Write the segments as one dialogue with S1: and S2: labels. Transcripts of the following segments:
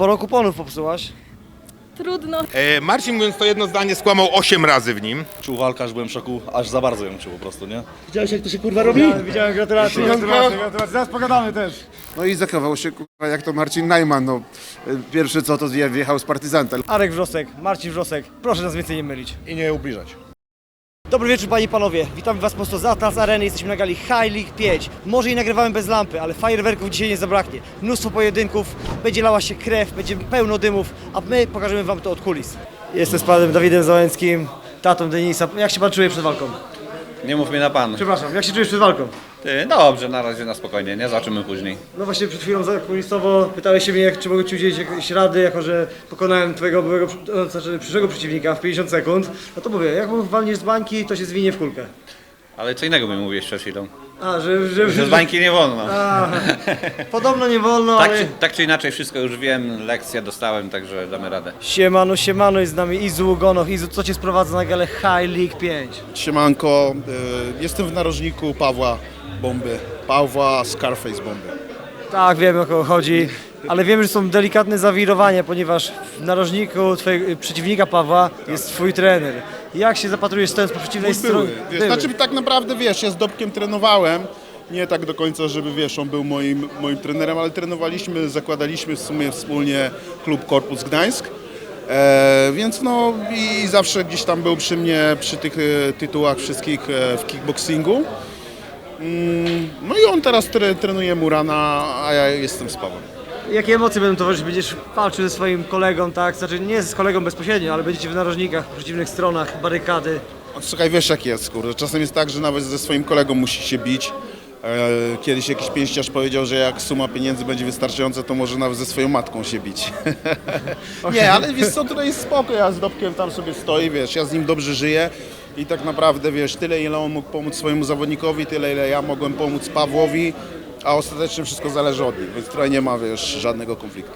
S1: sporo kuponów popsułaś.
S2: Trudno.
S3: Marcin, mówiąc to jedno zdanie, skłamał 8 razy w nim.
S4: Czuł walkarz, byłem w szoku, aż za bardzo ją czuł po prostu, nie?
S5: Widziałeś, jak to się kurwa robi?
S1: Widziałem, gratulacje.
S5: Zaraz pogadamy też.
S6: No i zachował się kurwa jak to Marcin Najman, no. Pierwszy co to wjechał z partyzantem.
S1: Arek Wrzosek, Marcin Wrzosek, proszę nas więcej nie mylić.
S4: I nie ubliżać.
S1: Dobry wieczór panie i panowie, witamy was prosto z Atlas Areny, jesteśmy na gali High League 5. Może i nagrywamy bez lampy, ale fajerwerków dzisiaj nie zabraknie. Mnóstwo pojedynków, będzie lała się krew, będzie pełno dymów, a my pokażemy wam to od kulis. Jestem z panem Dawidem Załęckim, tatą Denisa. Jak się pan czuje przed walką?
S7: Nie mów mi na pan.
S1: Przepraszam, jak się czujesz przed walką?
S7: Ty, dobrze, na razie na spokojnie, nie? Zobaczymy później.
S1: No właśnie przed chwilą zakulisowo pytałeś się mnie, czy mogę ci udzielić jakieś rady, jako że pokonałem twojego byłego, znaczy przyszłego przeciwnika w 50 sekund. No to mówię, jak walniesz z bańki, to się zwinie w kulkę.
S7: Ale co innego mi mówiłeś przed chwilą.
S1: A, że
S7: Że z bańki nie wolno.
S1: podobno nie wolno, ale...
S7: Tak czy inaczej wszystko już wiem, lekcję dostałem, także damy radę.
S1: Siemano, siemano, jest z nami Izu Ugonow. Izu, co cię sprowadza na galę High League 5?
S4: Siemanko, jestem w narożniku Pawła Bomby. Pawła Scarface Bomby.
S1: Tak, wiemy o kogo chodzi, ale wiemy, że są delikatne zawirowania, ponieważ w narożniku twojego przeciwnika Pawła jest twój trener. Jak się zapatrujesz stojąc po przeciwnej stronie?
S4: Wiesz, znaczy tak naprawdę wiesz, ja z Dobkiem trenowałem. Nie tak do końca, żeby wiesz, on był moim trenerem, ale trenowaliśmy, zakładaliśmy w sumie wspólnie klub Korpus Gdańsk. Więc no i zawsze gdzieś tam był przy mnie, przy tych tytułach wszystkich w kickboxingu. No i on teraz trenuje Murana, a ja jestem z Pawłem.
S1: Jakie emocje będą towarzyszyć? Będziesz walczył ze swoim kolegą, tak? Znaczy nie z kolegą bezpośrednio, ale będziecie w narożnikach, po przeciwnych stronach, barykady.
S4: Słuchaj, wiesz jak jest, kurde. Czasem jest tak, że nawet ze swoim kolegą musi się bić. Kiedyś jakiś pięściarz powiedział, że jak suma pieniędzy będzie wystarczająca, to może nawet ze swoją matką się bić. Nie, ale wiesz co, tutaj jest spoko, ja z Dobkiem tam sobie stoję, wiesz, ja z nim dobrze żyję i tak naprawdę, wiesz, tyle ile on mógł pomóc swojemu zawodnikowi, tyle ile ja mogłem pomóc Pawłowi, a ostatecznie wszystko zależy od nich, więc tutaj nie ma, wiesz, żadnego konfliktu.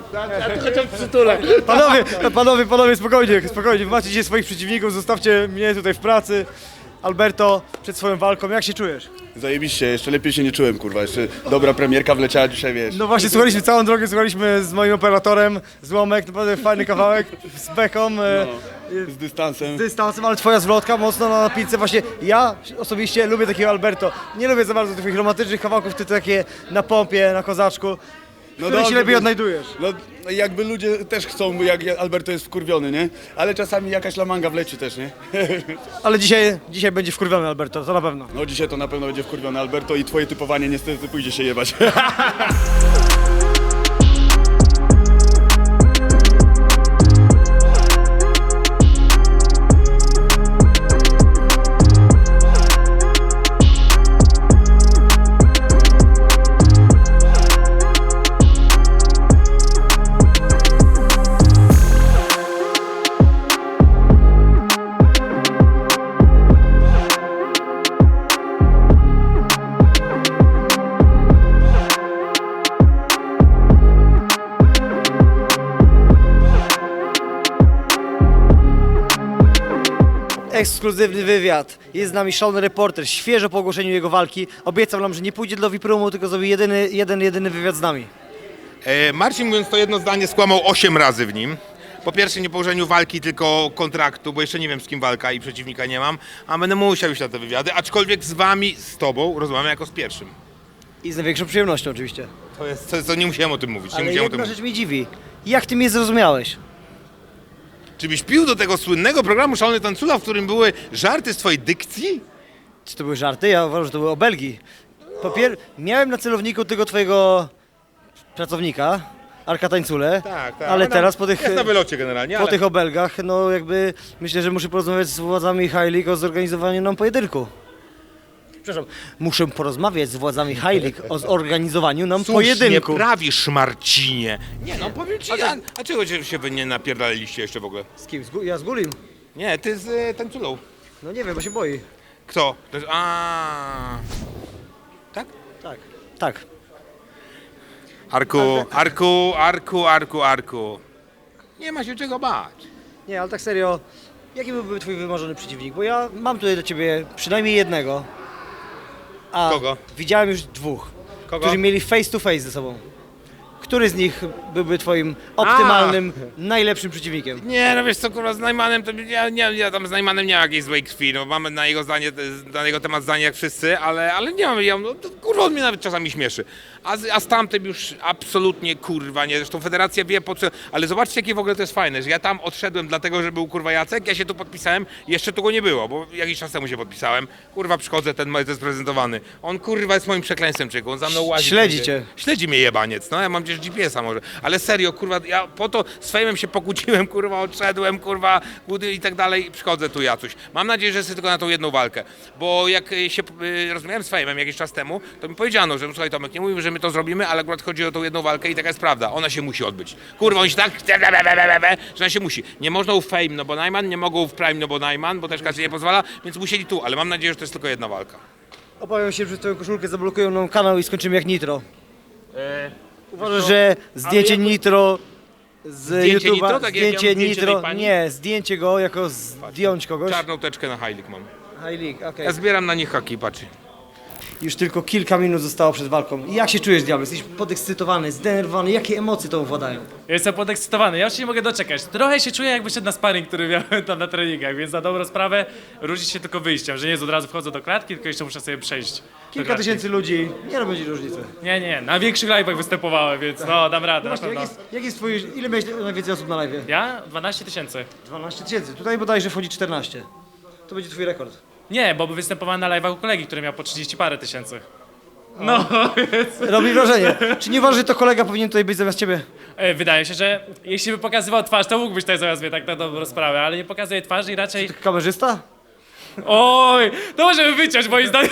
S1: Panowie, spokojnie, macie dzisiaj swoich przeciwników, zostawcie mnie tutaj w pracy. Alberto, przed swoją walką, jak się czujesz?
S8: Zajebiście, jeszcze lepiej się nie czułem, kurwa, jeszcze dobra premierka wleciała dzisiaj, wiesz.
S1: No właśnie, całą drogę słuchaliśmy z moim operatorem, Złomek, naprawdę fajny kawałek, z beką,
S8: Z dystansem.
S1: z dystansem, ale twoja zwrotka mocno na napince. Właśnie ja osobiście lubię takiego Alberto, nie lubię za bardzo tych romantycznych kawałków, ty takie na pompie, na kozaczku, no które się lepiej odnajdujesz.
S8: No jakby ludzie też chcą, jak Alberto jest wkurwiony, nie? Ale czasami jakaś lamanga wleci też, nie?
S1: Ale dzisiaj będzie wkurwiony Alberto, to na pewno.
S8: No dzisiaj to na pewno będzie wkurwiony Alberto i twoje typowanie niestety pójdzie się jebać.
S1: Ekskluzywny wywiad. Jest z nami szalony reporter, świeżo po ogłoszeniu jego walki. Obiecał nam, że nie pójdzie do VIP-roomu, tylko zrobi jedyny wywiad z nami.
S3: Marcin, mówiąc to jedno zdanie, skłamał 8 razy w nim. Po pierwsze nie po ułożeniu walki, tylko kontraktu, bo jeszcze nie wiem z kim walka i przeciwnika nie mam, a będę musiał iść na te wywiady, aczkolwiek z wami, z tobą rozmawiam jako z pierwszym.
S1: I z największą przyjemnością oczywiście.
S3: To nie musiałem o tym mówić, nie
S1: Ale
S3: musiałem o tym
S1: jedna
S3: mówić.
S1: rzecz mnie dziwi. Jak ty mnie zrozumiałeś?
S3: Czy byś pił do tego słynnego programu Szalony Tańcula, w którym były żarty z twojej dykcji?
S1: Czy to były żarty? Ja uważam, że to były obelgi. Miałem na celowniku tego twojego pracownika, Arka Tańcule,
S3: Tak.
S1: ale teraz po tych...
S3: Jest na wylocie generalnie,
S1: Po tych obelgach, no jakby myślę, że muszę porozmawiać z władzami High League o zorganizowaniu nam pojedynku. Przepraszam, muszę porozmawiać z władzami High League o zorganizowaniu nam pojedynku.
S3: nie prawisz, Marcinie. Nie no, powiem ci, a czego się wy nie napierdaliliście jeszcze w ogóle?
S1: Z kim? Ja z Gulim?
S3: Nie, ty z Tańculą.
S1: No nie wiem, bo się boi.
S3: Kto? To jest, tak?
S1: Tak.
S3: Arku. Nie ma się czego bać.
S1: Nie, ale tak serio, jaki byłby twój wymarzony przeciwnik? Bo ja mam tutaj do ciebie przynajmniej jednego. A
S3: Kogo?
S1: widziałem już dwóch,
S3: Kogo?
S1: którzy mieli face to face ze sobą. Który z nich byłby twoim optymalnym, najlepszym przeciwnikiem?
S3: Nie, no wiesz co, kurwa, z Najmanem to ja tam z Najmanem nie mam jakiejś złej krwi, no mamy na jego zdanie, na jego temat zdanie jak wszyscy, ale nie mam, no, kurwa, on mnie nawet czasami śmieszy. A z tamtym już absolutnie, kurwa, nie, zresztą federacja wie po co, ale zobaczcie jakie w ogóle to jest fajne, że ja tam odszedłem dlatego, że był kurwa Jacek, ja się tu podpisałem, jeszcze tu go nie było, bo jakiś czas temu się podpisałem, kurwa, przychodzę, ten jest prezentowany, on kurwa jest moim przekleństwem, człowieku, on za mną łazi.
S1: Śledzi cię.
S3: Śledzi mnie jebaniec, no ja mam gdzieś GPS-a może, ale serio, kurwa, ja po to z fejmem się pokłóciłem, kurwa, odszedłem, kurwa, i tak dalej, przychodzę tu Jacuś. Mam nadzieję, że jest tylko na tą jedną walkę, bo jak się rozmawiałem z fejmem jakiś czas temu, to mi powiedziano, że słuchaj Tomek, nie mówimy, że my to zrobimy, ale akurat chodzi o tą jedną walkę i taka jest prawda, ona się musi odbyć. Kurwa, oni się tak, że ona się musi. Nie można u Fame, no bo Najman, nie mogą w Prime, no bo Najman, bo też każdy nie pozwala, więc musieli tu, ale mam nadzieję, że to jest tylko jedna walka.
S1: Obawiam się, że twoją koszulkę zablokują nam kanał i skończymy jak Nitro. Uważasz, że zdjęcie Nitro z
S3: Zdjęcie
S1: YouTube'a,
S3: Nitro? Tak jak ja mam
S1: zdjęcie
S3: zdjęcie
S1: Nitro,
S3: tej pani?
S1: nie, zdjęcie go jako zdjąć kogoś.
S3: Czarną teczkę na High League mam.
S1: High League, okej.
S3: Ja zbieram na nich haki, patrz.
S1: Już tylko kilka minut zostało przed walką. Jak się czujesz, Diabeł? Jesteś podekscytowany, zdenerwowany? Jakie emocje to władają?
S2: Ja jestem podekscytowany, ja już się nie mogę doczekać. Trochę się czuję jakby szedł na sparring, który miałem tam na treningach, więc na dobrą sprawę różni się tylko wyjściem, że nie jest od razu wchodzę do klatki, tylko jeszcze muszę sobie przejść. do
S1: Kilka
S2: klatki.
S1: tysięcy ludzi, nie robi ci różnicy.
S2: Nie, na większych live'ach występowałem, więc no dam radę, na
S1: Właśnie,
S2: pewno.
S1: jak jest twój, ile miałeś najwięcej osób na live?
S2: Ja? 12 000.
S1: 12 tysięcy, tutaj bodajże wchodzi 14. To będzie twój rekord.
S2: Nie, bo występowałem na live'ach u kolegi, który miał po 30 parę tysięcy. No,
S1: Robi wrażenie. Czy nie uważasz, że to kolega powinien tutaj być zamiast ciebie?
S2: wydaje się, że jeśli by pokazywał twarz, to mógłbyś tutaj zamiast mnie tak na dobrą sprawę, ale nie pokazuje twarzy i raczej...
S1: Kamerzysta?
S2: Oj, to możemy wyciąć moim zdaniem.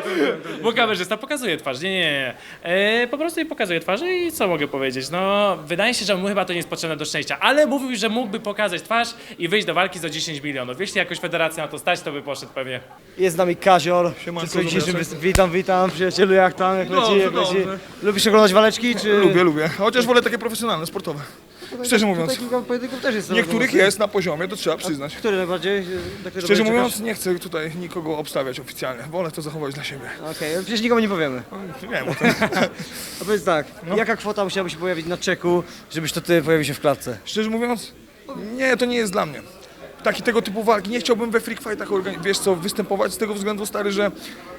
S2: Bo kamerzysta pokazuje twarz. Nie. Po prostu jej pokazuje twarz i co mogę powiedzieć? No, wydaje się, że mu chyba to nie jest potrzebne do szczęścia, ale mówił, że mógłby pokazać twarz i wyjść do walki za 10 milionów. Jeśli jakoś federacja na to stać, to by poszedł pewnie.
S1: Jest z nami Kazior. Przy dzisiejszym witam, przyjacielu, jak tam, jak leci, jak leci. Lubisz oglądać waleczki, czy...
S5: Lubię. Chociaż wolę takie profesjonalne, sportowe. Szczerze mówiąc.
S1: Tutaj kilka pojedynków też jest.
S5: Niektórych jest na poziomie, to trzeba przyznać.
S1: Który najbardziej?
S5: Szczerze mówiąc, nie chcę tutaj nikogo obstawiać oficjalnie. Wolę to zachować dla siebie.
S1: Okej, przecież nikomu nie powiemy.
S5: Wiem o tym.
S1: A powiedz tak, jaka kwota musiałaby się pojawić na czeku, żebyś to ty pojawił się w klatce?
S5: Szczerze mówiąc, nie, to nie jest dla mnie. Tego typu walki. Nie chciałbym we freak fightach wiesz co, występować z tego względu, stary, że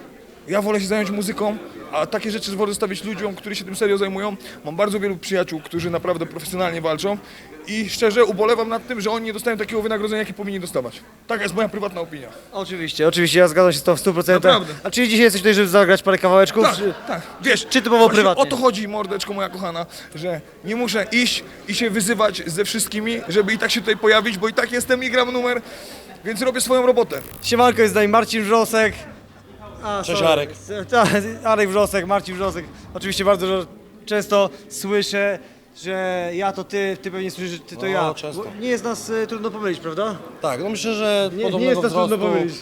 S5: ja wolę się zająć muzyką, a takie rzeczy wolę zostawić ludziom, którzy się tym serio zajmują. Mam bardzo wielu przyjaciół, którzy naprawdę profesjonalnie walczą i szczerze ubolewam nad tym, że oni nie dostają takiego wynagrodzenia, jakie powinni dostawać. Taka jest moja prywatna opinia.
S1: Oczywiście, ja zgadzam się z tą w 100%.
S5: Naprawdę.
S1: A czy dzisiaj jesteś tutaj, żeby zagrać parę kawałeczków?
S5: Tak, wiesz,
S1: czy typowo
S5: właśnie
S1: prywatnie?
S5: o to chodzi, mordeczko moja kochana, że nie muszę iść i się wyzywać ze wszystkimi, żeby i tak się tutaj pojawić, bo i tak jestem i gram numer, więc robię swoją robotę.
S1: Siemanko, jest z nami Marcin Wrzosek.
S9: Cześć,
S1: sorry.
S9: Arek.
S1: Arek Wrzosek, Marcin Wrzosek. Oczywiście bardzo często słyszę, że ja to ty pewnie słyszysz, że ty to
S9: No,
S1: ja.
S9: często.
S1: Bo nie jest nas trudno pomylić, prawda?
S9: Tak, no myślę, że
S1: Nie
S9: podobnego
S1: jest to trudno
S9: wzrostu,
S1: powiedzieć.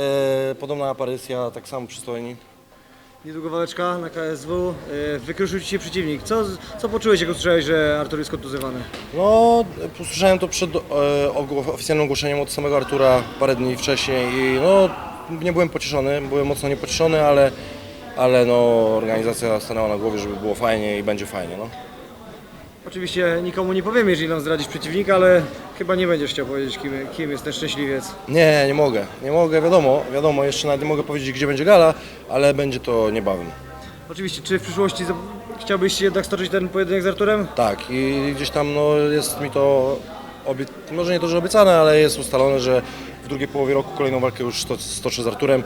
S9: podobna aparycja, tak samo przystojni.
S1: Niedługo waleczka na KSW. Wykruszył ci się przeciwnik. Co poczułeś, jak usłyszałeś, że Artur jest kontuzjowany?
S9: No, usłyszałem to przed oficjalnym ogłoszeniem od samego Artura parę dni wcześniej i no, nie byłem pocieszony, byłem mocno niepocieszony, ale no, organizacja stanęła na głowie, żeby było fajnie i będzie fajnie, no.
S1: Oczywiście nikomu nie powiemy, jeżeli nam zdradzisz przeciwnika, ale chyba nie będziesz chciał powiedzieć, kim jest ten szczęśliwiec.
S9: Nie mogę, wiadomo, jeszcze nawet nie mogę powiedzieć, gdzie będzie gala, ale będzie to niebawem.
S1: Oczywiście, czy w przyszłości chciałbyś jednak stoczyć ten pojedynek z Arturem?
S9: Tak, i gdzieś tam no, jest mi to, może nie to, że obiecane, ale jest ustalone, że w drugiej połowie roku kolejną walkę już stoczę z Arturem.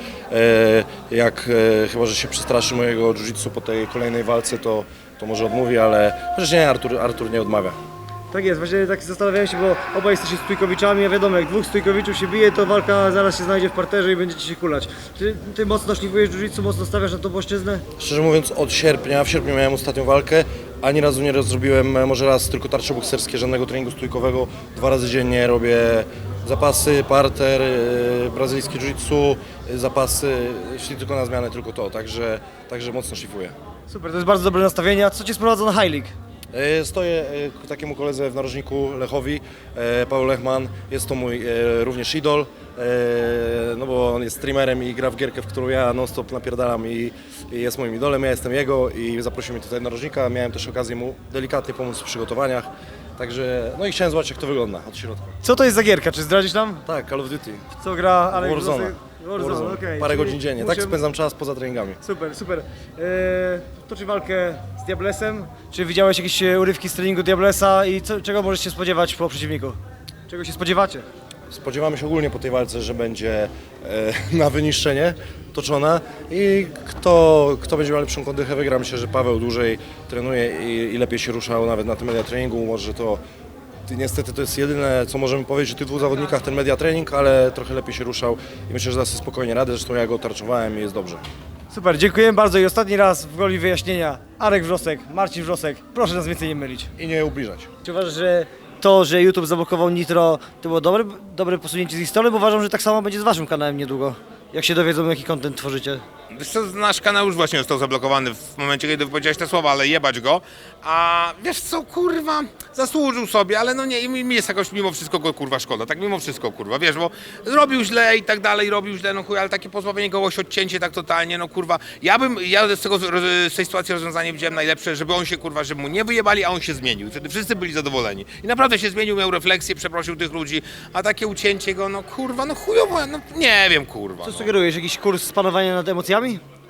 S9: Chyba że się przestraszy mojego jiu-jitsu po tej kolejnej walce, to może odmówi, ale chociaż nie, Artur nie odmawia.
S1: Tak jest, właśnie tak zastanawiałem się, bo obaj jesteście stójkowiczami, a wiadomo, jak dwóch stójkowiczów się bije, to walka zaraz się znajdzie w parterze i będziecie się kulać. Czy ty mocno szlifujesz jiu-jitsu, mocno stawiasz na tą płaszczyznę?
S9: Szczerze mówiąc, od sierpnia, w sierpniu miałem ostatnią walkę, ani razu nie zrobiłem, może raz tylko tarcze bokserskie, żadnego treningu stójkowego. 2 razy dziennie robię zapasy, parter, brazylijski jiu-jitsu, zapasy, jeśli tylko na zmianę, tylko to, także mocno szlifuję.
S1: Super, to jest bardzo dobre nastawienie. A co cię sprowadza na High League?
S9: Stoję ku takiemu koledze w narożniku Lechowi, Paweł Lechman, jest to mój również idol, no bo on jest streamerem i gra w gierkę, w którą ja non-stop napierdalam i jest moim idolem, ja jestem jego i zaprosił mnie tutaj do narożnika, miałem też okazję mu delikatnie pomóc w przygotowaniach, także no i chciałem zobaczyć jak to wygląda od środka.
S1: Co to jest za gierka? Czy zdradzisz nam?
S9: Tak, Call of Duty,
S1: Co gra Alek
S9: Warzone.
S1: Włosek? Warzone, okej.
S9: Parę
S1: Czyli
S9: godzin dziennie,
S1: musimy-
S9: tak spędzam czas poza treningami.
S1: Super, super. Toczy walkę z Diablesem. Czy widziałeś jakieś urywki z treningu Diablesa i czego możesz się spodziewać po przeciwniku? Czego się spodziewacie?
S9: Spodziewamy się ogólnie po tej walce, że będzie na wyniszczenie toczona i kto będzie miał lepszą kondychę wygra. Myślę, że Paweł dłużej trenuje i lepiej się ruszał nawet na tym media treningu. Może to niestety to jest jedyne, co możemy powiedzieć o tych dwóch zawodnikach, ten media trening, ale trochę lepiej się ruszał i myślę, że da sobie spokojnie radę. Zresztą ja go tarczowałem i jest dobrze.
S1: Super, dziękuję bardzo i ostatni raz w goli wyjaśnienia. Arek Wrzosek, Marcin Wrzosek, proszę nas więcej nie mylić.
S9: I nie ubliżać.
S1: Czy uważasz, że to, że YouTube zablokował Nitro, to było dobre posunięcie z ich strony? Bo uważam, że tak samo będzie z waszym kanałem niedługo. Jak się dowiedzą, jaki content tworzycie.
S3: Wiesz co, nasz kanał już właśnie został zablokowany w momencie, kiedy wypowiedziałeś te słowa, ale jebać go. A wiesz co, kurwa, zasłużył sobie, ale no nie, i mi jest jakoś mimo wszystko go kurwa szkoda, tak mimo wszystko kurwa, wiesz, bo robił źle i tak dalej, robił źle, no chuj, ale takie pozbawienie kogoś, odcięcie tak totalnie, no kurwa. Ja z tej sytuacji rozwiązanie widziałem najlepsze, żeby on się kurwa, żeby mu nie wyjebali, a on się zmienił. Wtedy wszyscy byli zadowoleni. I naprawdę się zmienił, miał refleksję, przeprosił tych ludzi, a takie ucięcie go, no kurwa, no chujowo, no nie wiem kurwa.
S1: Co
S3: No.
S1: sugerujesz? Jakiś kurs panowania nad emocjami?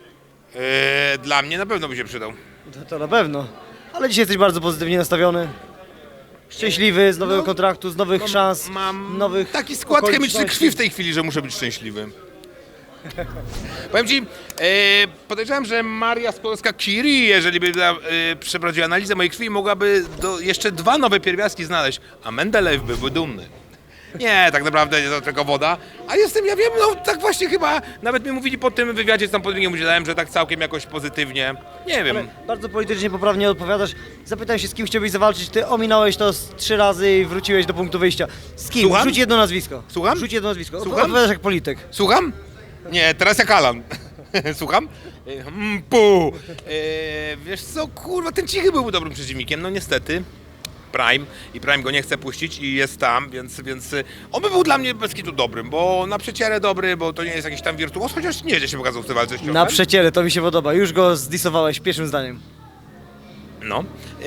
S3: Dla mnie na pewno by się przydał.
S1: To na pewno. Ale dzisiaj jesteś bardzo pozytywnie nastawiony. Szczęśliwy z nowego kontraktu, z nowych szans,
S3: Mam
S1: nowych
S3: taki skład chemiczny
S1: okoliczności.
S3: krwi w tej chwili, że muszę być szczęśliwy. Powiem ci, podejrzewam, że Maria Skłodowska-Curie, jeżeli by przeprowadziła analizę mojej krwi, mogłaby jeszcze 2 nowe pierwiastki znaleźć, a Mendelejew byłby dumny. Nie, tak naprawdę to tylko woda, a ja wiem, no tak właśnie chyba, nawet mi mówili po tym wywiadzie, co tam po drugim udzielałem, że tak całkiem jakoś pozytywnie, nie wiem.
S1: Ale bardzo politycznie poprawnie odpowiadasz. Zapytałem się, z kim chciałbyś zawalczyć. Ty ominąłeś to z 3 razy i wróciłeś do punktu wyjścia. Z kim?
S3: Słucham?
S1: Rzuć jedno nazwisko.
S3: Słucham?
S1: Rzuć jedno nazwisko.
S3: Słucham?
S1: Odpowiadasz jak polityk.
S3: Słucham? Nie, teraz jak Alan. Słucham? Pu. Wiesz co, kurwa, ten Cichy byłby dobrym przeciwnikiem, no niestety. Prime i Prime go nie chce puścić i jest tam, więc on by był dla mnie bez kitu dobrym, bo na przecierę dobry, bo to nie jest jakiś tam wirtuoz, chociaż nieźle się pokazał w tej walce z ciosem.
S1: Na przeciele, to mi się podoba. Już go zdisowałeś pierwszym zdaniem.
S3: No.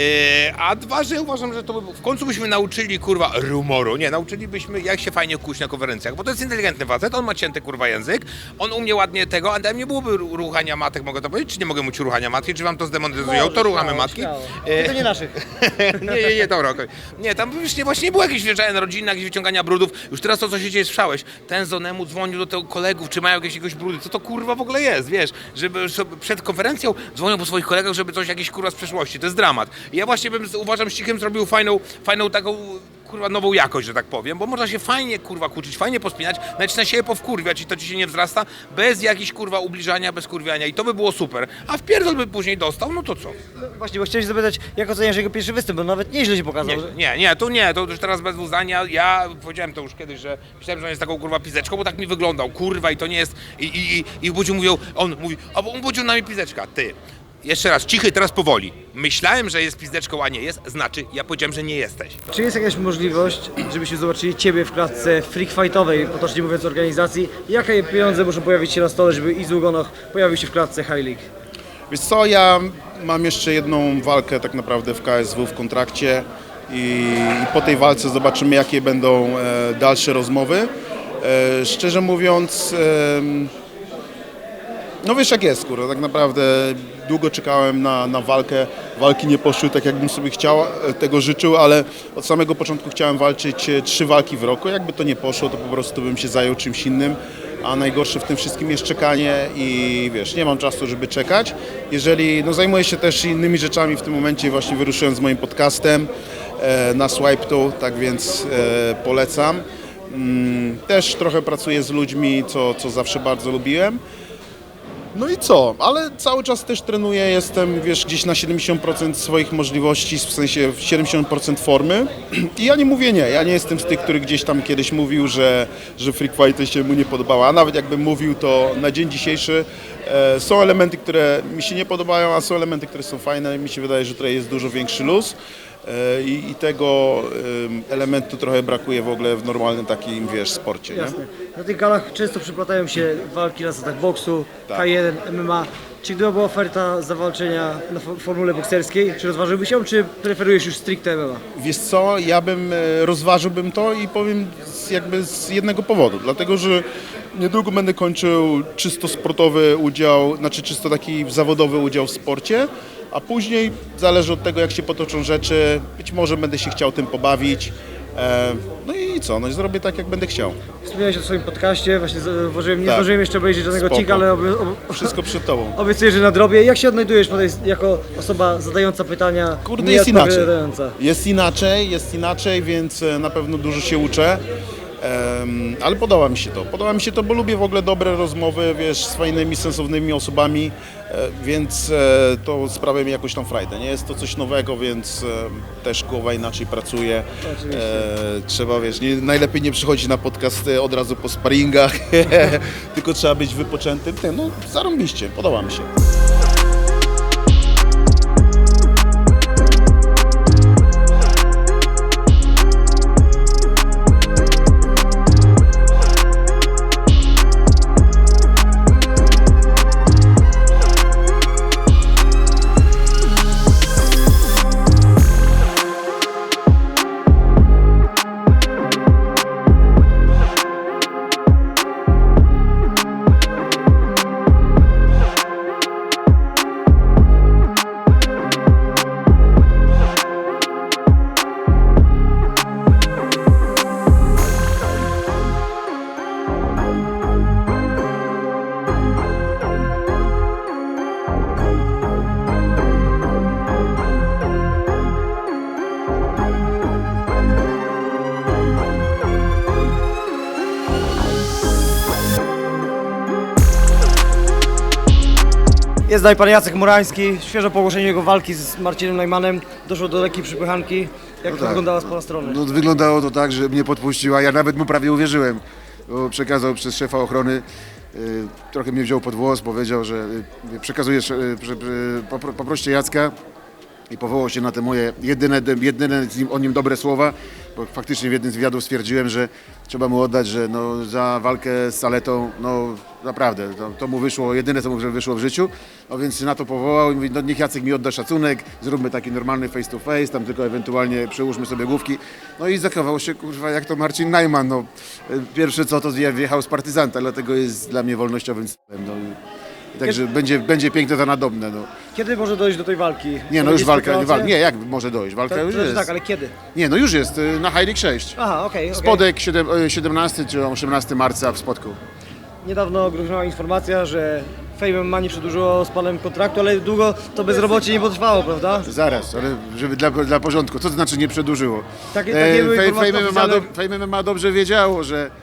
S3: A 2, że uważam, że to by, w końcu byśmy nauczyli, kurwa, rumoru. Nie, nauczylibyśmy, jak się fajnie kuć na konferencjach, bo to jest inteligentny facet, on ma cięty, kurwa, język, on umie ładnie tego, a tam nie byłoby ruchania matek, mogę to powiedzieć, czy nie mogę mówić ruchania matki, czy wam to zdemonetyzują, to ruchamy matki.
S1: To nie naszych.
S3: Nie, dobra, okej. Nie, tam już nie było jakieś wjeżdżania rodzinne, jakieś wyciągania brudów. Już teraz to, co się dzieje, słyszałeś. Ten Zonemu dzwonił do tego kolegów, czy mają jakieś brudy. Co to kurwa w ogóle jest, wiesz? Żeby przed konferencją dzwonią po swoich kolegach, żeby coś jakieś kurwa z przeszłości. To jest dramat. I ja właśnie uważam, że Cichem zrobił fajną taką kurwa nową jakość, że tak powiem, bo można się fajnie kurwa kłócić, fajnie pospinać, nawet na siebie powkurwiać i to ci się nie wzrasta, bez jakichś kurwa ubliżania, bez kurwiania i to by było super. A w pierdol by później dostał, no to co?
S1: Właśnie, bo chciałem się zapytać, jak oceniasz jego pierwszy występ, bo nawet nieźle się pokazał.
S3: To już teraz bez uznania. Ja powiedziałem to już kiedyś, że myślałem, że on jest taką kurwa pizeczką, bo tak mi wyglądał, kurwa i to nie jest. I Budziu mówił, on mówi, a on Budziu na mnie pizeczka, ty. Jeszcze raz, Cichy, teraz powoli. Myślałem, że jest pizdeczką, a nie jest, znaczy ja powiedziałem, że nie jesteś.
S1: Czy jest jakaś możliwość, żebyśmy zobaczyli Ciebie w klatce freak fightowej, potocznie mówiąc organizacji? Jakie pieniądze muszą pojawić się na stole, żeby Izu Gonoch pojawił się w klatce High League?
S4: Wiesz co, ja mam jeszcze jedną walkę tak naprawdę w KSW w kontrakcie i po tej walce zobaczymy, jakie będą dalsze rozmowy. Szczerze mówiąc, no wiesz jak jest, kurwa, tak naprawdę długo czekałem na walkę. Walki nie poszły tak, jakbym sobie tego życzył, ale od samego początku chciałem walczyć 3 walki w roku. Jakby to nie poszło, to po prostu bym się zajął czymś innym. A najgorsze w tym wszystkim jest czekanie i wiesz, nie mam czasu, żeby czekać. No zajmuję się też innymi rzeczami w tym momencie, właśnie wyruszyłem z moim podcastem na Swipe To, tak więc polecam. Też trochę pracuję z ludźmi, co zawsze bardzo lubiłem. No i co? Ale cały czas też trenuję, jestem, wiesz, gdzieś na 70% swoich możliwości, w sensie 70% formy. I ja nie mówię nie. Ja nie jestem z tych, który gdzieś tam kiedyś mówił, że freak fighty się mu nie podobała. A nawet jakbym mówił, to na dzień dzisiejszy są elementy, które mi się nie podobają, a są elementy, które są fajne. Mi się wydaje, że tutaj jest dużo większy luz. I tego elementu trochę brakuje w ogóle w normalnym takim, wiesz, sporcie. Nie?
S1: Jasne. Na tych galach często przyplatają się walki na zasadach boksu,
S4: Tak.
S1: K1, MMA. Czy gdyby była oferta zawalczenia na formule bokserskiej, czy rozważyłbyś ją, czy preferujesz już stricte MMA?
S4: Wiesz co, ja bym rozważyłbym to i powiem z jednego powodu, dlatego że niedługo będę kończył czysto sportowy udział, znaczy czysto taki zawodowy udział w sporcie, a później zależy od tego, jak się potoczą rzeczy, być może będę się chciał tym pobawić. No i co, no i zrobię tak, jak będę chciał.
S1: Wspomniałeś o swoim podcaście, właśnie zauważyłem, nie
S4: Tak.
S1: zdążyłem jeszcze obejrzeć żadnego
S4: Spoko.
S1: odcinka, ale
S4: Wszystko przed tobą.
S1: obiecuję, że nadrobię. Jak się odnajdujesz jako osoba zadająca pytania,
S4: Kurde,
S1: nie
S4: jest inaczej.
S1: odpowiadająca?
S4: Jest inaczej, więc na pewno dużo się uczę. Ale podoba mi się to, bo lubię w ogóle dobre rozmowy, wiesz, z fajnymi, sensownymi osobami, więc to sprawia mi jakąś tam frajdę, nie jest to coś nowego, więc też głowa inaczej pracuje. Trzeba, wiesz, najlepiej nie przychodzić na podcast od razu po sparingach, tylko trzeba być wypoczętym. No, zarąbiście, podoba mi się.
S1: Jest dalej pan Jacek Murański, świeżo po ogłoszeniu jego walki z Marcinem Najmanem doszło do lekkiej przepychanki. Jak to
S6: tak.
S1: wyglądało z pana strony?
S6: No, wyglądało to tak, że mnie podpuściła, ja nawet mu prawie uwierzyłem, bo przekazał przez szefa ochrony, trochę mnie wziął pod włos, powiedział, że przekazujesz, poproście Jacka i powołał się na te moje jedyne o nim dobre słowa, bo faktycznie w jednym z wywiadów stwierdziłem, że trzeba mu oddać, że no, za walkę z Saletą, no naprawdę, to mu wyszło, jedyne co mu wyszło w życiu, no więc na to powołał i mówi, no niech Jacek mi odda szacunek, zróbmy taki normalny face to face, tam tylko ewentualnie przyłóżmy sobie główki, no i zachował się, kurwa, jak to Marcin Najman, no pierwsze co to wjechał z partyzanta, dlatego jest dla mnie wolnościowym s**em, no. Także będzie piękne to nadobne. No.
S1: Kiedy może dojść do tej walki?
S6: Nie, no
S1: To
S6: już
S1: jest
S6: walka,
S1: spekulacja?
S6: nie, jak może dojść? Walka już jest.
S1: Tak, ale kiedy?
S6: Nie, no już jest, na High League 6.
S1: Aha, okej.
S6: Spodek 17 czy 18 marca w Spodku.
S1: Niedawno groziła informacja, że Fame MMA nie przedłużyło z panem kontraktu, ale długo to bezrobocie nie potrwało, prawda?
S6: Zaraz, ale żeby dla porządku, co to znaczy nie przedłużyło?
S1: Takie były informacje oficjalne.
S6: Fame MMA dobrze wiedziało,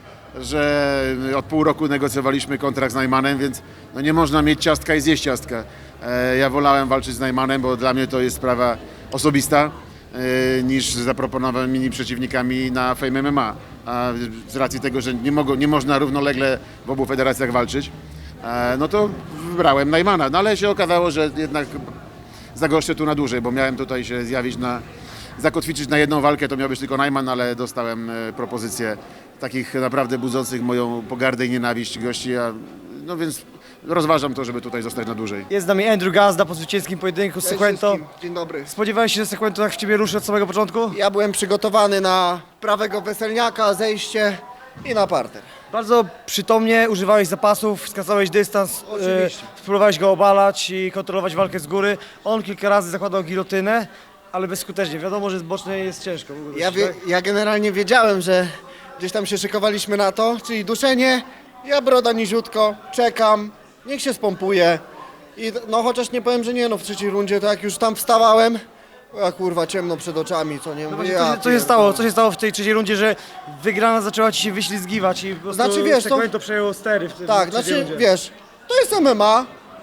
S6: że od pół roku negocjowaliśmy kontrakt z Najmanem, więc no nie można mieć ciastka i zjeść ciastka. Ja wolałem walczyć z Najmanem, bo dla mnie to jest sprawa osobista niż z zaproponowanymi przeciwnikami na Fame MMA. A z racji tego, że nie można równolegle w obu federacjach walczyć, no to wybrałem Najmana. No ale się okazało, że jednak zagoszczę tu na dłużej, bo miałem tutaj się zjawić zakotwiczyć na jedną walkę, to miał być tylko Najman, ale dostałem propozycję takich naprawdę budzących moją pogardę i nienawiść gości, no więc rozważam to, żeby tutaj zostać na dłużej.
S1: Jest z nami Andrew Gazda po zwycięskim pojedynku z Sequento.
S10: Dzień dobry.
S1: Spodziewałeś się, że Sequento tak w ciebie ruszy od samego początku?
S10: Ja byłem przygotowany na prawego weselniaka, zejście i na parter.
S1: Bardzo przytomnie używałeś zapasów, skracałeś dystans,
S10: Oczywiście.
S1: próbowałeś go obalać i kontrolować walkę z góry. On kilka razy zakładał gilotynę, ale bezskutecznie. Wiadomo, że z bocznej jest ciężko.
S10: Ja generalnie wiedziałem, że gdzieś tam się szykowaliśmy na to, czyli duszenie, ja broda niziutko, czekam, niech się spompuje. I no chociaż nie powiem, że nie, no w trzeciej rundzie to jak już tam wstawałem, a kurwa ciemno przed oczami, co nie
S1: No
S10: mówię.
S1: właśnie, co się stało w tej trzeciej rundzie, że wygrana zaczęła ci się wyślizgiwać i po prostu
S10: Znaczy, wiesz co?
S1: Sequento przejęło stery w tej
S10: Tak,
S1: trzeciej
S10: znaczy
S1: rundzie.
S10: wiesz, to jest MMA,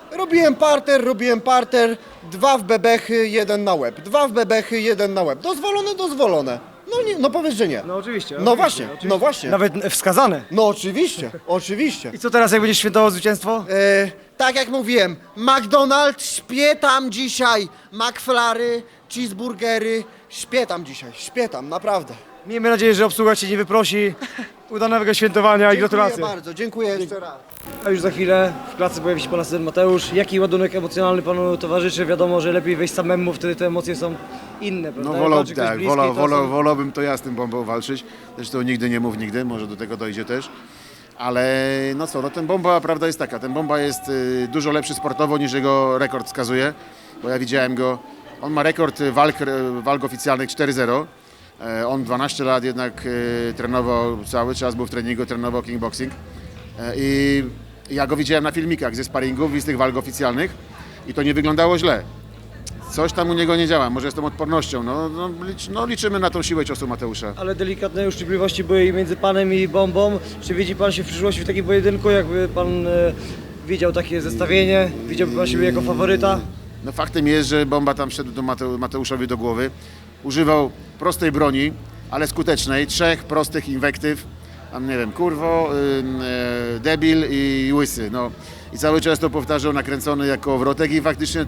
S10: Robiłem parter, 2 w bebechy, 1 na łeb. 2 w bebechy, 1 na łeb. Dozwolone. No nie, no powiedz, że nie.
S1: No oczywiście.
S10: No właśnie.
S1: Nawet wskazane.
S10: No oczywiście.
S1: I co teraz, jak będziesz świętował zwycięstwo?
S10: Tak jak mówiłem, McDonald's śpię tam dzisiaj. McFlary, cheeseburgery, śpię tam, naprawdę.
S1: Miejmy nadzieję, że obsługa cię nie wyprosi. Udanego świętowania i gratulacje.
S10: Dziękuję bardzo, dziękuję jeszcze raz.
S1: A już za chwilę w klatce pojawi się pan asystent Mateusz. Jaki ładunek emocjonalny panu towarzyszy? Wiadomo, że lepiej wejść samemu, wtedy te emocje są inne, prawda?
S6: No
S1: Jak ktoś bliski, to są-
S6: wolałbym to ja z tym bombą walczyć. Zresztą nigdy nie mów nigdy, może do tego dojdzie też. Ale no co, no ten bomba, prawda jest taka, ten bomba jest dużo lepszy sportowo niż jego rekord wskazuje, bo ja widziałem go, on ma rekord walk oficjalnych 4-0. On 12 lat jednak trenował cały czas, był w treningu, trenował kickboxing. I ja go widziałem na filmikach ze sparingów i z tych walk oficjalnych i to nie wyglądało źle. Coś tam u niego nie działa, może z tą odpornością. Liczymy na tą siłę ciosu Mateusza.
S1: Ale delikatne uszczypliwości były i między panem i bombą. Czy widzi pan się w przyszłości w takim pojedynku, jakby pan widział takie zestawienie? Widziałby pan siebie jako faworyta?
S6: No faktem jest, że bomba tam wszedł do Mateuszowi do głowy. Używał prostej broni, ale skutecznej, 3 prostych inwektyw. Tam nie wiem, kurwo, debil i łysy. No. I cały czas to powtarzał nakręcony jako wrotek i faktycznie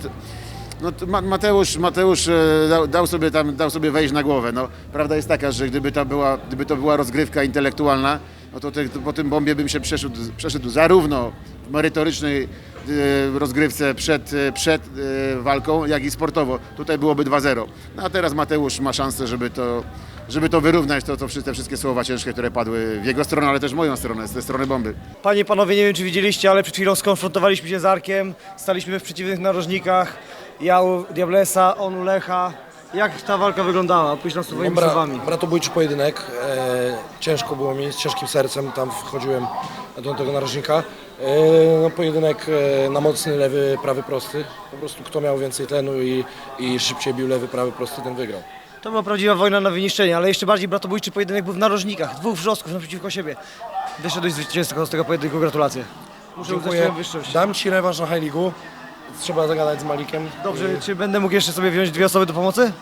S6: Mateusz dał sobie wejść na głowę. No, prawda jest taka, że gdyby to była rozgrywka intelektualna, no to po tym bombie bym się przeszedł zarówno w merytorycznej rozgrywce przed walką, jak i sportowo. Tutaj byłoby 2-0. No a teraz Mateusz ma szansę, żeby to wyrównać, te wszystkie słowa ciężkie, które padły w jego stronę, ale też w moją stronę, z tej strony bomby.
S1: Panie i panowie, nie wiem czy widzieliście, ale przed chwilą skonfrontowaliśmy się z Arkiem. Staliśmy w przeciwnych narożnikach. Ja u Diablesa, on u Lecha. Jak ta walka wyglądała? Opisz nam swoimi słowami.
S9: Bratobójczy pojedynek. Ciężko było mi, z ciężkim sercem tam wchodziłem do tego narożnika. Pojedynek na mocny lewy, prawy prosty. Po prostu kto miał więcej tlenu i szybciej bił lewy, prawy prosty, ten wygrał.
S1: To była prawdziwa wojna na wyniszczenie, ale jeszcze bardziej bratobójczy pojedynek był w narożnikach. 2 wrzosków naprzeciwko siebie. Wyszedłeś zwycięzcą z tego pojedynku, gratulacje. Muszę uznać
S9: Dziękuję.
S1: swoją wyższość.
S9: Dam ci rewanż na High League'u. Trzeba zagadać z Malikiem.
S1: Dobrze, czy będę mógł jeszcze sobie wziąć 2 osoby do pomocy?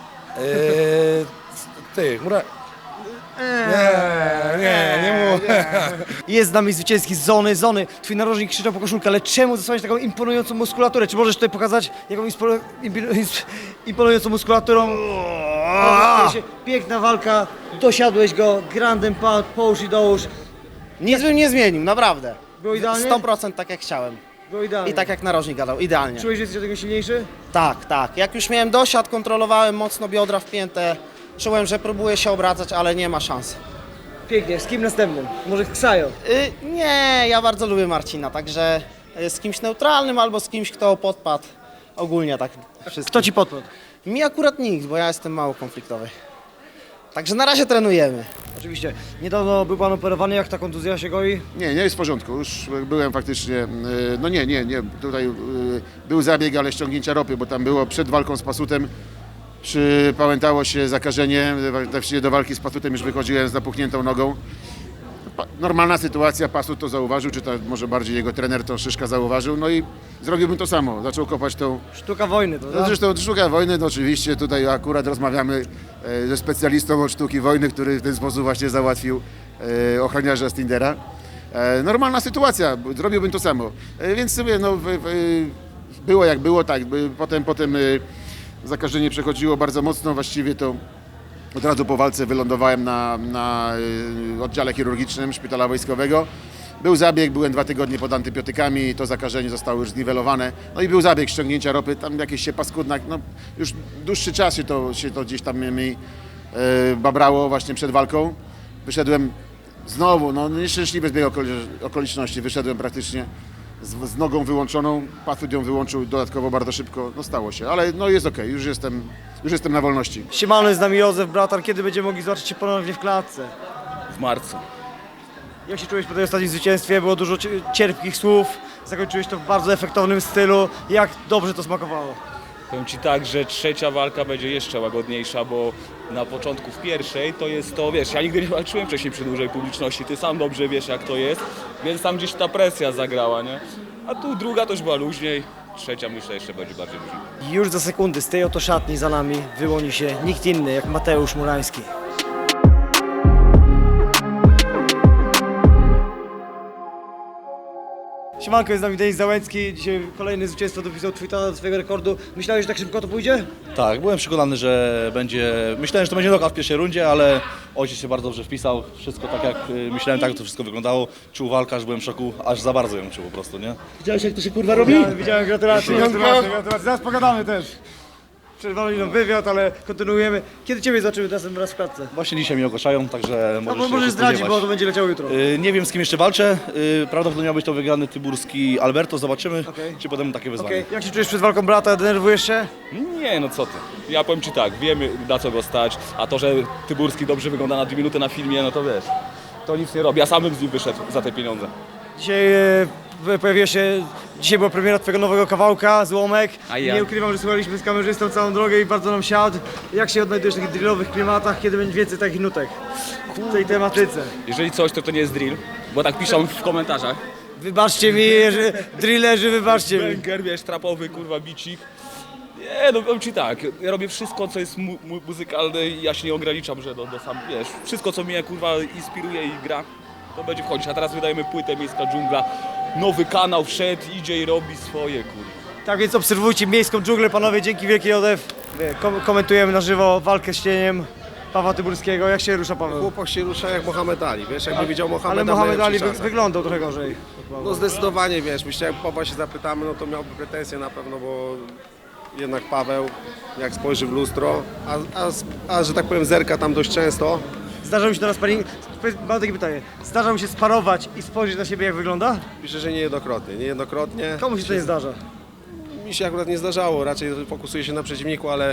S9: Nie mów.
S1: Jest z nami zwycięski z zony. Twój narożnik krzyczał po koszulkę, ale czemu zasłaniać taką imponującą muskulaturę? Czy możesz tutaj pokazać, jaką imponującą muskulaturą? Piękna walka, dosiadłeś go, grandem połóż i dołóż.
S10: Nic bym nie zmienił, naprawdę.
S1: Było idealnie?
S10: 100% tak jak chciałem.
S1: Było idealnie.
S10: I tak jak narożnik gadał, idealnie.
S1: Czułeś, że jesteś do tego silniejszy?
S10: Tak. Jak już miałem dosiad, kontrolowałem mocno biodra wpięte. Czułem, że próbuję się obracać, ale nie ma szans.
S1: Pięknie, z kim następnym? Może Ksajo?
S10: Nie, ja bardzo lubię Marcina, także z kimś neutralnym albo z kimś, kto podpadł. Ogólnie tak wszystko.
S1: Kto ci podpadł?
S10: Mi akurat nikt, bo ja jestem mało konfliktowy. Także na razie trenujemy.
S1: Oczywiście. Niedawno był pan operowany, jak ta kontuzja się goi?
S6: Nie jest w porządku. Już byłem faktycznie, no nie. Tutaj był zabieg, ale ściągnięcia ropy, bo tam było przed walką z Pasutem. Przypamiętało się zakażenie, właściwie do walki z Pasutem już wychodziłem z napuchniętą nogą. Normalna sytuacja, Pasut to zauważył, czy to może bardziej jego trener to Szyszka zauważył, no i zrobiłbym to samo, zaczął kopać tą...
S1: Sztuka wojny, prawda?
S6: No zresztą sztuka wojny, no oczywiście tutaj akurat rozmawiamy ze specjalistą od sztuki wojny, który w ten sposób właśnie załatwił ochroniarza z Tindera. Normalna sytuacja, zrobiłbym to samo, więc sobie no, było jak było, tak, potem zakażenie przechodziło bardzo mocno, właściwie to od razu po walce wylądowałem na oddziale chirurgicznym szpitala wojskowego. Był zabieg, byłem 2 tygodnie pod antybiotykami, to zakażenie zostało już zniwelowane. No i był zabieg ściągnięcia ropy, tam jakieś się paskudna, no już dłuższy czas się to gdzieś tam mi babrało właśnie przed walką. Wyszedłem znowu, no nieszczęśliwy zbieg okoliczności, wyszedłem praktycznie z nogą wyłączoną, Pasut ją wyłączył dodatkowo bardzo szybko, no stało się, ale no jest okej, już jestem na wolności.
S1: Siemano, jest z nami Józef, bratan. Kiedy będziemy mogli zobaczyć się ponownie w klatce?
S8: W marcu.
S1: Jak się czułeś po tej ostatnim zwycięstwie? Było dużo cierpkich słów, zakończyłeś to w bardzo efektownym stylu. Jak dobrze to smakowało?
S11: Powiem Ci tak, że trzecia walka będzie jeszcze łagodniejsza, bo na początku w pierwszej to jest to, wiesz, ja nigdy nie walczyłem wcześniej przy dużej publiczności, Ty sam dobrze wiesz jak to jest, więc tam gdzieś ta presja zagrała, nie? A tu druga to już była luźniej, trzecia myślę jeszcze będzie bardziej brzmi.
S1: Już za sekundy z tej oto szatni za nami wyłoni się nikt inny jak Mateusz Murański. Siemanko, jest z nami Denis Załęcki. Dzisiaj kolejny zwycięstwo dopisał Twittera do swojego rekordu. Myślałeś, że tak szybko to pójdzie?
S9: Tak, byłem przekonany, że będzie. Myślałem, że to będzie knockout w pierwszej rundzie, ale ojciec się bardzo dobrze wpisał. Wszystko tak jak myślałem, tak to wszystko wyglądało. Czuł walkę, aż byłem w szoku, aż za bardzo ją czuł po prostu, nie?
S10: Widziałeś, jak to się kurwa robi?
S1: Widziałem, gratulacje. Zaraz pogadamy też. Przerwali nam wywiad, ale kontynuujemy. Kiedy Ciebie zobaczymy razem raz w klatce?
S9: Właśnie dzisiaj mnie ogłaszają, także
S1: No
S9: możesz
S1: bo
S9: się
S1: możesz zdradzić,
S9: spodziewać.
S1: bo to będzie leciało jutro.
S9: Nie wiem, z kim jeszcze walczę. Prawdopodobnie miał być to wygrany tyburski Alberto. Zobaczymy,
S1: Okej.
S9: czy podejmę takie wyzwanie.
S1: Okej, jak się czujesz przed walką brata? Denerwujesz się?
S11: Nie, no co ty. Ja powiem ci tak, wiemy na co go stać, a to, że Tyburski dobrze wygląda na 2 minuty na filmie, no to wiesz, to nic nie robi. Ja sam bym z nim wyszedł za te pieniądze.
S1: Dzisiaj pojawiła się, dzisiaj była premiera Twojego nowego kawałka, Złomek.
S11: A ja?
S1: Nie ukrywam, że słuchaliśmy z kamerzystą całą drogę i bardzo nam siadł. Jak się odnajdujesz w takich drillowych klimatach, kiedy będzie więcej takich nutek w tej tematyce?
S11: Jeżeli coś, to nie jest drill, bo tak piszą w komentarzach.
S1: Wybaczcie mi, że drillerzy, wybaczcie mi.
S11: Banger, wiesz, trapowy, kurwa, bicik. Nie, no powiem ci tak, ja robię wszystko, co jest muzykalne i ja się nie ograniczam, że do sam, wiesz, wszystko, co mnie, kurwa, inspiruje i gra, to będzie wchodzić. A teraz wydajemy płytę Miejska Dżungla, nowy kanał wszedł, idzie i robi swoje, kurwa.
S1: Tak więc obserwujcie Miejską Dżunglę, panowie, dzięki wielkiej Odef. Komentujemy na żywo walkę z cieniem Pawła Tyburskiego. Jak się rusza, Paweł?
S10: Chłopak się rusza jak Mohamed Ali, wiesz, jakby widział
S1: Ale
S10: Mohameda
S1: Mohamed Ali
S10: czasach.
S1: wyglądał trochę gorzej.
S10: No zdecydowanie, wiesz, myślę, jak Pawła się zapytamy, no to miałby pretensje na pewno, bo jednak Paweł, jak spojrzy w lustro, a że tak powiem zerka tam dość często.
S1: Zdarza mi się teraz sparring. Mam takie pytanie. Zdarza mi się sparować i spojrzeć na siebie, jak wygląda?
S10: Myślę, że niejednokrotnie.
S1: Komu się to nie zdarza?
S10: Mi się akurat nie zdarzało, raczej fokusuję się na przeciwniku, ale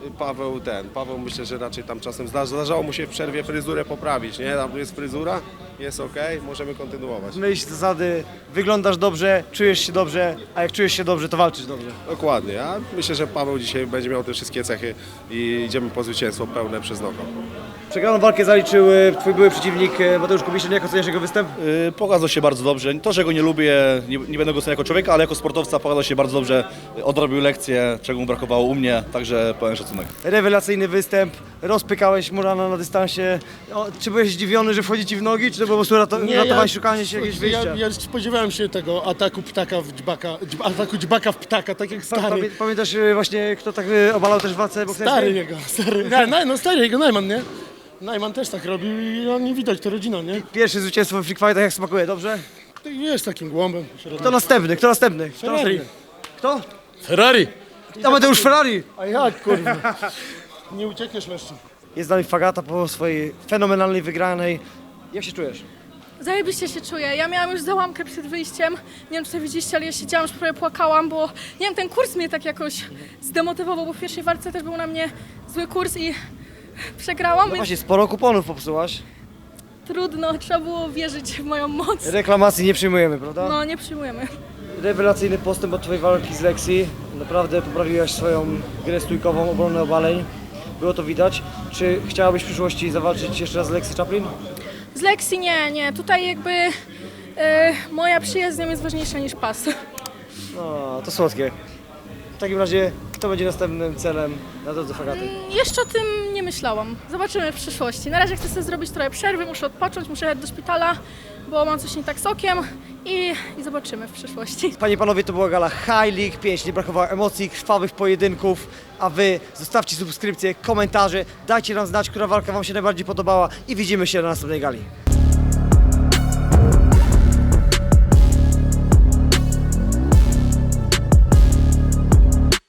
S10: Paweł myślę, że raczej tam czasem zdarzało mu się w przerwie fryzurę poprawić, nie? Tam jest fryzura, jest okej, możemy kontynuować.
S1: Myśl zasady, wyglądasz dobrze, czujesz się dobrze, a jak czujesz się dobrze, to walczysz dobrze.
S10: Dokładnie, ja myślę, że Paweł dzisiaj będzie miał te wszystkie cechy i idziemy po zwycięstwo pełne przez knockout.
S1: Przegraną walkę zaliczył Twój były przeciwnik Mateusz Kubiszyn. Jak oceniasz jego występ?
S9: Pokazał się bardzo dobrze. To, że go nie lubię, nie będę go oceniał jako człowieka, ale jako sportowca pokazał się bardzo dobrze. Odrobił lekcję, czego mu brakowało u mnie, także pełen szacunek.
S1: Rewelacyjny występ, rozpykałeś Murana na dystansie. Czy byłeś zdziwiony, że wchodzi Ci w nogi, czy to było po prostu ratowanie, szukanie się jakiegoś wyjścia?
S12: Ja spodziewałem się tego ataku ptaka w dźbaka, ataku dźbaka w ptaka, tak jak stary.
S1: Pamiętasz właśnie, kto tak obalał też w walce bokserskiej?
S12: Stary jego, stary. No stary jego, Najman, nie? Najman też tak robił i nie widać, to rodzina, nie?
S1: Pierwsze zwycięstwo w Freak Fightach, jak smakuje, dobrze?
S12: Ty wiesz, takim głąbem.
S1: Kto następny?
S12: Ferrari.
S1: Kto?
S12: Ferrari.
S1: To Mateusz Ferrari!
S12: A jak, kurwa? Nie uciekniesz leszczem.
S1: Jest z nami Fagata po swojej fenomenalnej wygranej. Jak się czujesz?
S13: Zajebiście się czuję. Ja miałam już załamkę przed wyjściem. Nie wiem, czy to widzieliście, ale ja siedziałam, już prawie płakałam, bo nie wiem, ten kurs mnie tak jakoś zdemotywował, bo w pierwszej walce też był na mnie zły kurs i przegrałam,
S1: No
S13: więc
S1: właśnie, sporo kuponów popsułaś.
S13: trudno, trzeba było wierzyć w moją moc.
S1: Reklamacji nie przyjmujemy, prawda?
S13: No, nie przyjmujemy.
S1: Rewelacyjny postęp od Twojej walki z Lexi. Naprawdę poprawiłaś swoją grę stójkową, obronę obaleń. Było to widać. Czy chciałabyś w przyszłości zawalczyć jeszcze raz z Lexi Chaplin?
S13: Z Lexi nie. Tutaj jakby moja przyjaźń z nią jest ważniejsza niż pas.
S1: No, to słodkie. W takim razie, kto będzie następnym celem na drodze Fagaty?
S13: Jeszcze o tym nie myślałam. Zobaczymy w przyszłości. Na razie chcę sobie zrobić trochę przerwy, muszę odpocząć, muszę jechać do szpitala, bo mam coś nie tak z okiem i zobaczymy w przyszłości.
S1: Panie i panowie, to była gala High League 5. Nie brakowało emocji, krwawych pojedynków, a wy zostawcie subskrypcje, komentarze, dajcie nam znać, która walka wam się najbardziej podobała i widzimy się na następnej gali.